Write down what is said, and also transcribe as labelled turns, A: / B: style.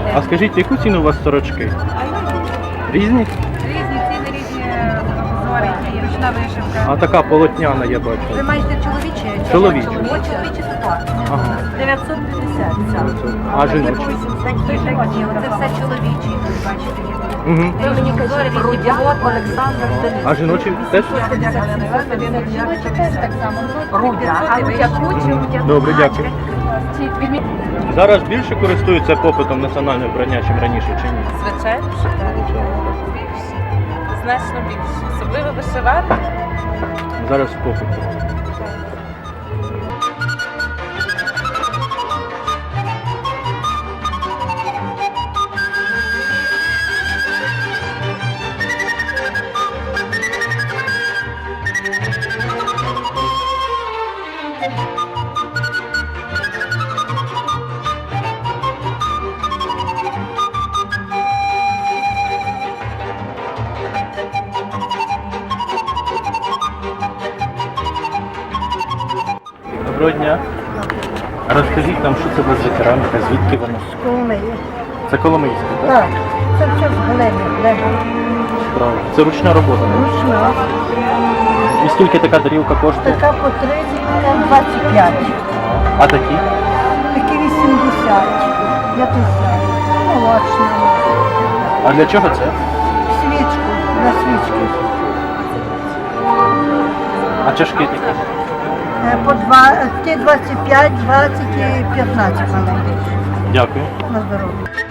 A: А скажіть, яку ціну у вас сорочки? Різні?
B: Різні ціни, різні узори, і ручна вишивка.
A: А така полотняна, я бачу.
B: Ви маєте чоловічі?
A: Чоловічі.
B: Чоловічі це так.
A: Ага.
B: 950 ця.
A: А жіночі?
B: Це все чоловічі, бачите.
A: Угу.
B: Різні узори, різні Олександр.
A: А жіночі теж?
B: Жіночі теж так само. Рудя. А рудя.
A: Добре, дякую. Зараз більше користуються попитом національне вбрання, чим раніше, чи ні?
C: Звичайно, що так. Більше. Значно більше. Особливо вишивати.
A: Зараз в попиті. Доброго дня. Розкажіть нам, що це у вас за кераміка, звідки вона?
D: Коломиї.
A: Це Коломийська, так?
D: Так, це все з глини.
A: Справа. Це ручна робота. не?
D: Ручна.
A: І скільки така тарілка коштує?
D: Така по 30, така 25.
A: А такі?
D: Такі 80. 50. Молочна.
A: А для чого це?
D: Свічку. На свічки.
A: А чашки такі?
D: По 2, ті 25, 20 і 15 маленьких.
A: Дякую.
D: На здоров'я.